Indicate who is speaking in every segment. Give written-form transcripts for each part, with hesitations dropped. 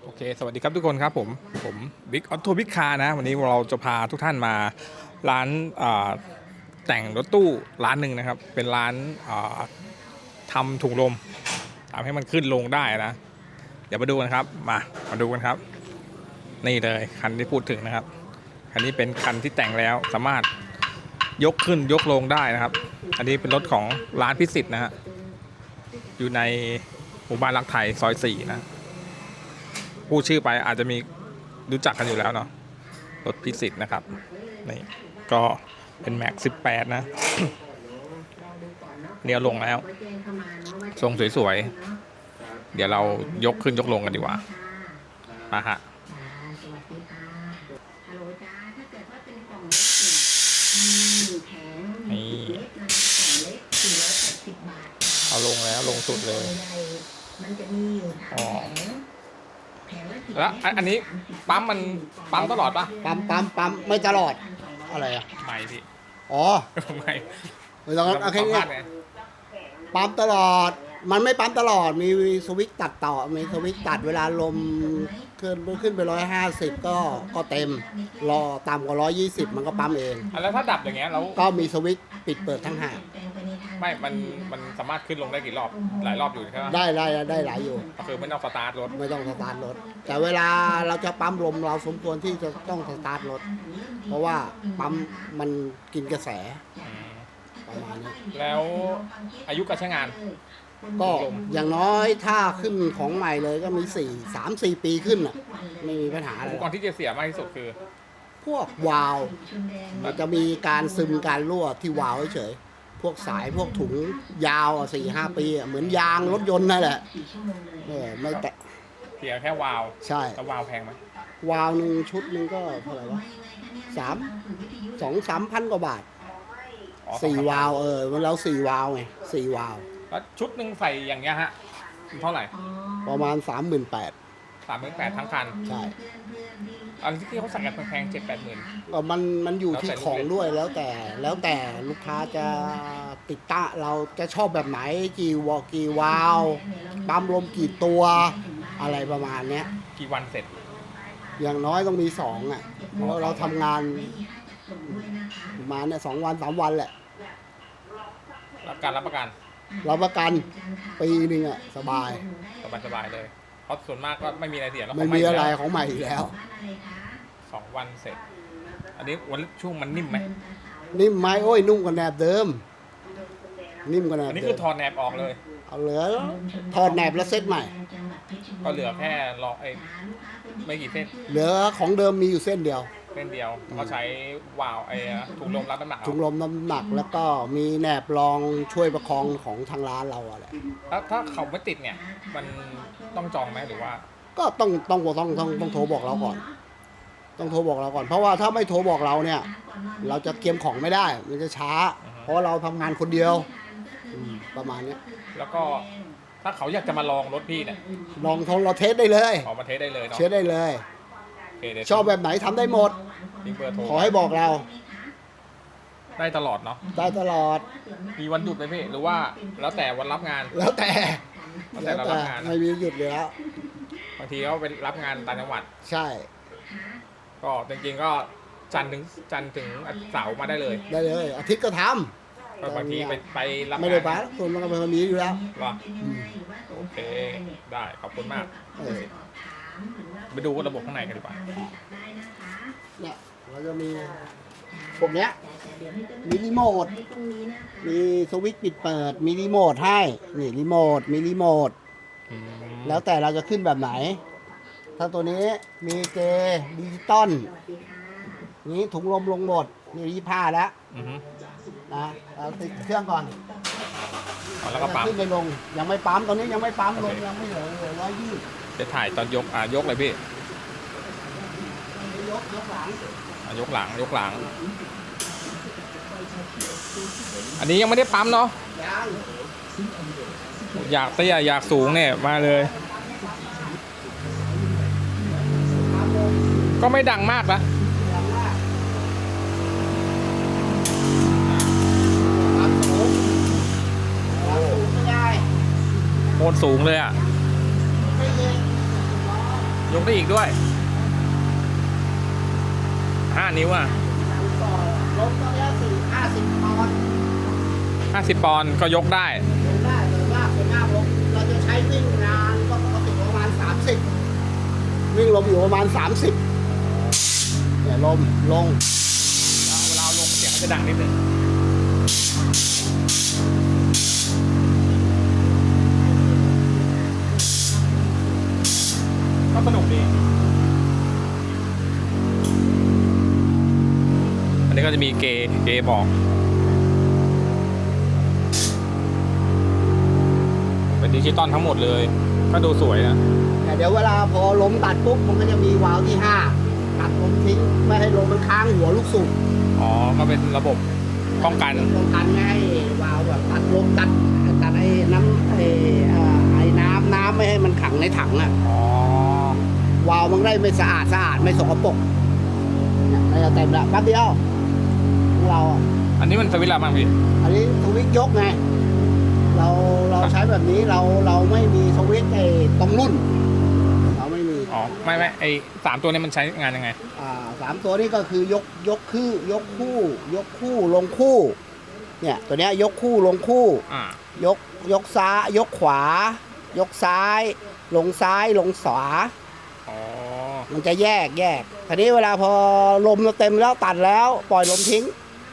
Speaker 1: โอเคสวัสดีครับทุกคนครับผมบิ๊กออโต้บิ๊กคาร์นะวันนี้เราจะพาทุกท่านมาร้านแต่งรถตู้ร้านหนึ่งนะครับเป็นร้านทำถุงลมทำให้มันขึ้นลงได้นะเดี๋ยวมาดูกันครับมาดูกันครับนี่เลยคันที่พูดถึงนะครับคันนี้เป็นคันที่แต่งแล้วสามารถยกขึ้นยกลงได้นะครับอันนี้เป็นรถของร้านพิสิทธิ์นะฮะอยู่ในหมู่บ้านรักไทยซอย4นะพูดชื่อไปอาจจะมีรู้จักกันอยู่แล้วเนาะรถพิสิทธิ์นะครับนี่ก็เป็นแม็ก18นะ เลี้ยวลงแล้วทรงสวยๆเดี๋ยวเรายกขึ้นยกลงกันดีกว่ามาฮะนี่เอาลงแล้วลงสุดเลยอ๋อแล้วอันนี้ปั๊มมันปั๊มตลอดปะ
Speaker 2: ปั๊มไม่ตลอดอะไรอ่ะ
Speaker 1: ไม่พี่
Speaker 2: อ๋อ
Speaker 1: ไม่
Speaker 2: ไม่ต้องโอเค
Speaker 1: สัม
Speaker 2: เนี่
Speaker 1: ภาย ษณ์ไง
Speaker 2: ปั๊มตลอดมันไม่ปั๊มตลอดมีสวิตช์ตัดต่อมีสวิตช์ตัดเวลาลมขึ้นไป150ก็เต็มรอต่ำกว่า120มันก็ปั๊มเอง
Speaker 1: แล้วถ้าดับอย่างเงี้ยแล้ว
Speaker 2: ก็มีสวิตช์ปิดเปิดทั้งหาก
Speaker 1: ไม่มันสามารถขึ้นลงได้กี่รอบหลายรอบอยู่ใช่ไหม
Speaker 2: ได้หลายอยู่
Speaker 1: ก็คือไม่ต้องสตาร์ทรถ
Speaker 2: ไม่ต้องสตาร์ทรถแต่เวลาเราจะปั๊มลมเราสมควรที่จะต้องสตาร์ทรถเพราะว่าปั๊มมันกินกระแสประมาณนี้
Speaker 1: แล้วอายุการใช้งาน
Speaker 2: ก็อย่างน้อยถ้าขึ้นของใหม่เลยก็มี3-4 ปีขึ้นอ่ะไม่มีปัญหาอะไร
Speaker 1: อุปกรณ์ที่จะเสียมากที่สุดคือ
Speaker 2: พวกวาล์วมันจะมีการซึมการรั่วที่วาล์วเฉยๆพวกสายพวกถุงยาว4-5 ปีเหมือนยางรถยนต์นั่นแหละไม่แตะ
Speaker 1: เสียแค่วาล์ว
Speaker 2: ใช่
Speaker 1: แล้ววาล์วแพงไหม
Speaker 2: วาล์วหนึ่งชุดหนึงก็เท่าไหร่วะ2-3 พันกว่าบาท
Speaker 1: อ๋อ
Speaker 2: 4 วาล์วมันเรา4 วาล์วไง4 วาล์ว
Speaker 1: แล้วชุดหนึ่งใส่อย่างเงี้ยฮะเท่าไหร่
Speaker 2: ประมาณ 38,000
Speaker 1: 38,000ทั้งคัน
Speaker 2: ใช่
Speaker 1: อันที่เขาสั่งกันแพงๆ7-8 หมื่น
Speaker 2: ก็มันอยู่ที่ของด้วยแล้วแต่ลูกค้าจะติดตั้งเราจะชอบแบบไหนกี่วาล์วปั๊มลมกี่ตัวอะไรประมาณเนี้ย
Speaker 1: กี่วันเสร็จ
Speaker 2: อย่างน้อยต้องมี2อ่ะเพราะเราทำงานประมาณเนี่ย2 วัน3 วันแหละ
Speaker 1: รับประกัน
Speaker 2: เราประกันปีหนึงอ่ะสบาย
Speaker 1: สบายเลยเพราะส่วนมากก็ไม่มีอะไรเสียแล้ว
Speaker 2: ไม่มีอะไรของใหม่อีกแล้ว
Speaker 1: 2 วันเสร็จ อันนี้วันช่วงมันนิ่มไหม
Speaker 2: นิ่มไหมโอ้ยนุ่มกว่าแหนบเดิมนิ่มกว่าแหนบ
Speaker 1: อันนี้
Speaker 2: เดิ
Speaker 1: คือ
Speaker 2: ม
Speaker 1: ถอดแหนบออกเลย
Speaker 2: เอาเหลือถอดแหนบแล้วเซตใหม่
Speaker 1: ก็เหลือแค่รอไม่กี่เส้น
Speaker 2: เหลือของเดิมมีอยู่เส้นเดียว
Speaker 1: เส้นเดียวก็ใช้วาล์วถุงลมรับน้ำหนัก
Speaker 2: ถุงลมน้ำหนักแล้วก็มีแหนบรองช่วยประคองของทางร้านเราอะแหละ
Speaker 1: ถ้าเขาไม่ติดเนี่ยมันต้องจองไหมหรือว่า
Speaker 2: ก็ต้องโทรบอกเราก่อน ต้องโทรบอกเราก่อน เพราะว่าถ้าไม่โทรบอกเราเนี่ย เราจะเตรียมของไม่ได้ มันจะช้า เพราะเราทำงานคนเดียวประมาณเนี้ย
Speaker 1: แล้วก็ถ้าเขาอยากจะมาลองรถพี่เนี่ย
Speaker 2: ลองเราเทสได้เลย
Speaker 1: ออกมาเทสได้เลยเนาะ
Speaker 2: เทสได้เลย
Speaker 1: โอเคเดี๋ยว
Speaker 2: ชอบแบบไหนทำได้หมด
Speaker 1: ทิ้งเบอร์โทร
Speaker 2: ขอให้บอกเรา
Speaker 1: ได้ตลอดเนาะ
Speaker 2: ได้ตลอด
Speaker 1: มีวันหยุดไหมพี่หรือว่าแล้วแต่วันรับงาน
Speaker 2: แล้วแต่
Speaker 1: แล้วแต่เรารับงานนะ
Speaker 2: ไม่มีหยุดเลยแล้ว
Speaker 1: บางทีก็ไปรับงานต่างจังหวัด
Speaker 2: ใช่
Speaker 1: ก็จริงๆก็จันทร์ถึงเสาร์มาได้เลย
Speaker 2: ได้เลย อาทิตย์ก็ท
Speaker 1: ก็บางทีไปรับ
Speaker 2: ำ
Speaker 1: งาน
Speaker 2: ไม่ได้ไปส่วนมันก็เป็นคนนี้อยู่แล้ว
Speaker 1: เหรอโอเคได้ขอบคุณมาก
Speaker 2: เออ
Speaker 1: ไปดูระบบข้างในกันดีกว่า
Speaker 2: เนี่ยเราจะมีพวกเนี้ยมีรีโมทมีสวิตช์ปิดเปิดมีรีโมทให้นี่รีโมทมีรีโมทแล้วแต่เราจะขึ้นแบบไหน ถ้าตัวนี้มีเจดิจิตอลนี้ถุงลมลงหมดนี่25แล้ว
Speaker 1: อือฮึ
Speaker 2: นะเราติดเครื่องก่อน
Speaker 1: เอาแล้วก็ปั๊ม
Speaker 2: ขึ้นไปลงยังไม่ปั๊มตอนนี้ยังไม่ปั๊มลงยังไม่เหลือ120
Speaker 1: จะถ่ายตอนยกยกเลยพี่
Speaker 2: ยกหลัง
Speaker 1: ยกหลัง อันนี้ยังไม่ได้ปั๊มเนาะ
Speaker 2: ยัง
Speaker 1: อยากเตี้ยอยากสูงเนี่ยมาเลย ก็ไม่ดังมากนะ
Speaker 2: ยังมากปั๊มสูงไม่ได้
Speaker 1: โคตรสูงเลยอ่ะ
Speaker 2: ไม่เย็น
Speaker 1: ยกได้อีกด้วย5 นิ้วอ่ะ
Speaker 2: ก็ลงตอนนี้50 ปอนด์
Speaker 1: 50 ปอนด์ก็ยกได้
Speaker 2: ลงได้แต่ว่าส่วนมากลงเราจะใช้วิ่งงานก็ปกติประมาณ30วิ่งลมอยู่ประมาณ30เนี่ยลมลง
Speaker 1: เวลาลงเสียงจะดังนิดนึงก็สนุกดีอันนี้ก็จะมีเกบอกเป็นดิจิตอลทั้งหมดเลยก็ดูสวยนะ
Speaker 2: แต่เดี๋ยวเวลาพอลมตัดปุ๊บมันก็จะมีวาล์วที่5ตัดลมทิ้งไม่ให้ลมมันค้างหัวลูกสูบ
Speaker 1: อ๋อก็เป็นระบบป้องกัน
Speaker 2: ป้องกันไม่ให้วาล์วแบบตัดลมตัดไอ้น้ำไอ้น้ำไม่ให้มันขังในถังอ่ะ
Speaker 1: อ๋อ
Speaker 2: วาล์วมันได้ไม่สะอาดไม่สกปรกเนี่ยเราจะเต็มละแป๊บเดียวของเราอ่ะ
Speaker 1: อันนี้มันสวิตช์อะไรบ้างพี่
Speaker 2: อันนี้สวิตช์ยกไงเราใช้แบบนี้เราไม่มีสวิตช์ไอ้ตรงรุ่นเราไม่มี
Speaker 1: อ๋อไม่ไอ3 ตัวนี้มันใช้งานยังไง
Speaker 2: 3 ตัวนี้ก็คือยกคู่ลงคู่เนี่ยตัวเนี้ยยกคู่ลงคู่ ยกซ้ายยกขวายกซ้ายลงขวา
Speaker 1: อ๋อ
Speaker 2: มันจะแยกทีนี้เวลาพอลมเราเต็มแล้วตัดแล้วปล่อยลมทิ้ง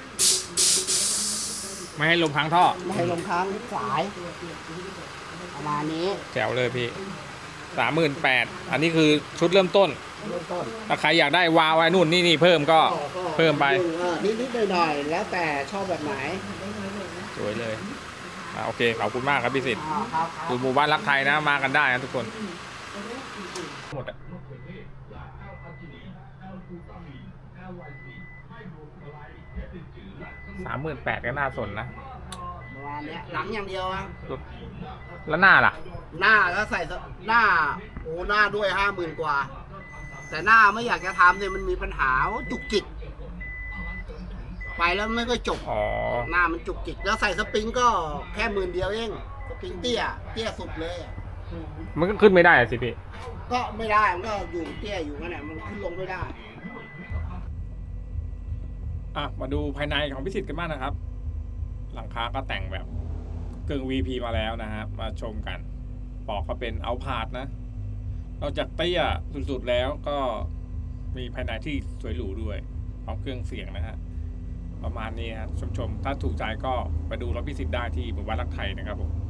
Speaker 1: ไม่ให้ลมค้างท่อ
Speaker 2: ไม่ให้ลมค้างสายประมาณนี้
Speaker 1: แจ๋วเลยพี่38,000อันนี้คือชุดเริ่มต้น
Speaker 2: เริ่มต้น
Speaker 1: ถ้าใครอยากได้วาวไว้นู่นนี่เพิ่มก็เพิ่มไป
Speaker 2: นิดหน่อยๆแล้วแต่ชอบแบบไหน
Speaker 1: สวยเลยโอเคขอบคุณมากครับพี่สิทธิ์
Speaker 2: ครับ
Speaker 1: อยู่หมู่บ้านรักไทยนะมากันได้นะทุกคนหมดอะ38,000ก็น่าสนนะ
Speaker 2: ประมาณเนี้ยหลังอย่างเดียวอะ
Speaker 1: แล้วหน้าล่ะ
Speaker 2: หน้าก็ใส่หน้าหน้าด้วย50,000 กว่า แต่หน้าไม่อยากจะทำเนี่ยมันมีปัญหาว่าจุกจิกไปแล้วไม่ก็จบ
Speaker 1: อ๋อ
Speaker 2: หน้ามันจุกจิกแล้วใส่สปริงก็แค่10,000 เดียวเองสปริงเตี้ยสุดเลยอะ
Speaker 1: มันก็ขึ้นไม่ได้อะสิพี่
Speaker 2: ก็ไม่ได้มันก็อยู่เตี้ยอยู่นั่นแหละมันขึ้นลงไม่ได้
Speaker 1: มาดูภายในของพิสิทธิ์กันบ้างนะครับ หลังคาก็แต่งแบบกึ่ง VP มาแล้วนะฮะมาชมกันปอกก็เป็นเอาพาดนะนอกจากเตี้ยสุดๆแล้วก็มีภายในที่สวยหรูด้วยพร้อมเครื่องเสียงนะฮะประมาณนี้ครับชมถ้าถูกใจก็ไปดูรถพิสิทธิ์ได้ที่หมู่บ้านรักไทยนะครับผม